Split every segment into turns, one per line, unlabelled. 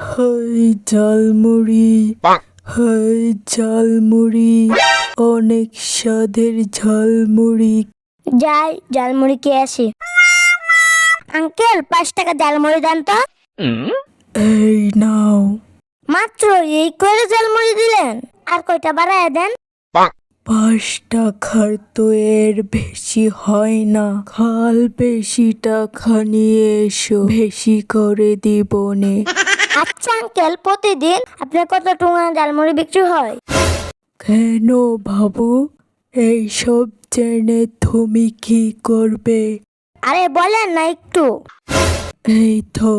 High jhalmuri, high jhalmuri, অনেক স্বাদের ঝালমুড়ি।
যাই ঝালমুড়ি খেয়ে আসি। আঙ্কেল 5 টাকা ঝালমুড়ি দেন তো।
এই নাও।
মাত্র এই করে ঝালমুড়ি দিলেন, আর কয়টা বাড়ায় দেন।
5 টাকার তো এর বেশি হয় না। খাল বেশি টাকা নিয়ে এসো, বেশি করে দিবনে।
আচ্ছা আঙ্কেল, প্রতিদিন আপনার কত টাকা ঝালমুড়ি বিক্রি হয়?
কেন বাবু, এইসব জেনে তুমি কি করবে?
আরে বলেন না একটু।
এই তো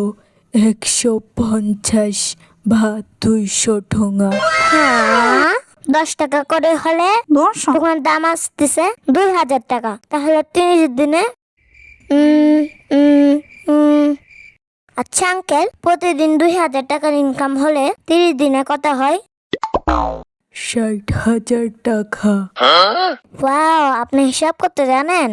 150 বা 200 ঠোঙা।
হ্যাঁ, 10 টাকা করে হলে তোমার দাম আসতেছে 2000 টাকা। তাহলে 30 দিনে উম, উম, উম। আচ্ছা আঙ্কেল, প্রতিদিন 2000 টাকার ইনকাম হলে 30 দিনে কত হয়?
60,000 টাকা।
ওয়াও, আপনি হিসাব করতে জানেন?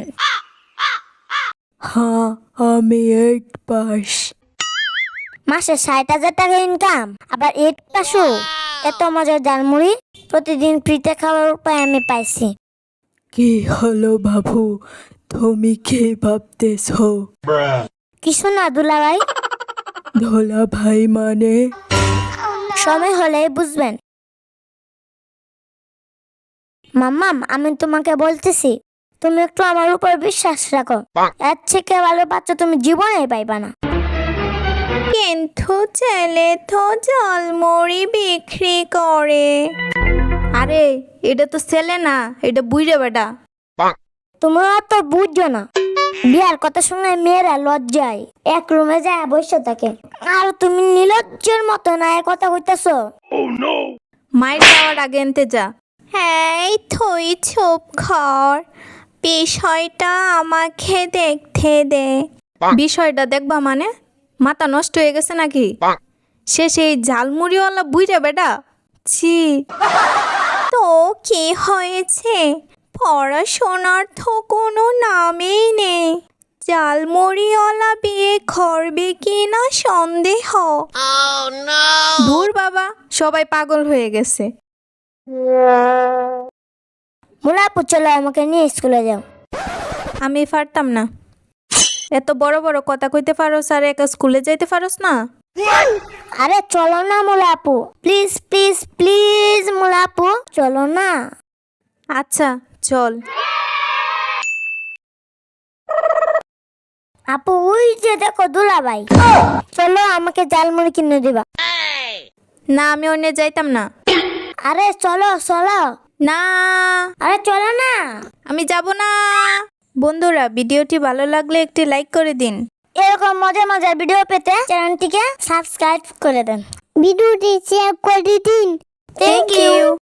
হ্যাঁ, আমি 8 পাস।
মাসে 60,000 টাকা ইনকাম, আবার 8 পাসও। এত মজার ঝালমুড়ি প্রতিদিন ফ্রিতে খাওয়ার উপায় আমি পাইছি।
কি হলো বাবু, তুমি কি ভাবতেছো?
কিছু না দুলাভাই,
ধোলা ভাই মানে?
সময় হলেই বুঝবেন। মাম্মাম, আমি তোমাকে বলতেছি, তুমি একটু আমার উপর বিশ্বাস রাখো। এর থেকে ভালো বাচ্চা তুমি জীবনে পাইবা না।
কিন্তু ছেলে তো ঝালমুড়ি বিক্রি করে। আরে এটা তো ছেলে না, এটা বুইড়ে বেটা।
তোমরা তো বুঝছো না, বিয়ার কথা শুনে মেয়েরা লজ্জায় এক রুমে যায় বসে থাকে, আর তুমি নির্লজ্জের মতো না এ কথা কইতাছো।
মায়ের যাওয়ার আগে এনতে যা। হ্যাঁ, তুই চুপ কর, বিষয়টা আমাকে দেখতে দে। বিষয়টা দেখবা মানে? মাথা নষ্ট হয়ে গেছে নাকি? সে সেই ঝালমুড়িওয়ালা বুইড়ে বেটা। ছি। তো কি হয়েছে? পড়াশোনার তো কোনো নামেই নেই। ঝালমুড়িওয়ালা বিয়ে করবে কিনা সন্দেহ। দূর বাবা, সবাই পাগল হয়ে গেছে।
মুলাপু, চলো আমাকে নিয়ে স্কুলে যাও।
আমি পারতাম না। এত বড় বড় কথা কইতে পারোস আর একা স্কুলে যাইতে পারোস না?
আরে চলো না মুলাপু, প্লিজ প্লিজ প্লিজ মুলাপু, চলো না।
আচ্ছা চল।
আপু, ওই যে দেখো দুলাভাই। চলো, আমাকে ঝালমুড়ি কিনে দিবা।
না, আমি অন্য যাইতাম না।
আরে চলো চলো।
না,
আরে চলো না।
আমি যাব না। বন্ধুরা, ভিডিওটি ভালো লাগলে একটি লাইক করে দিন।
এরকম মজার মজার ভিডিও পেতে চ্যানেলটিকে সাবস্ক্রাইব করে দেন, ভিডিওটি শেয়ার করে দিন। Thank you.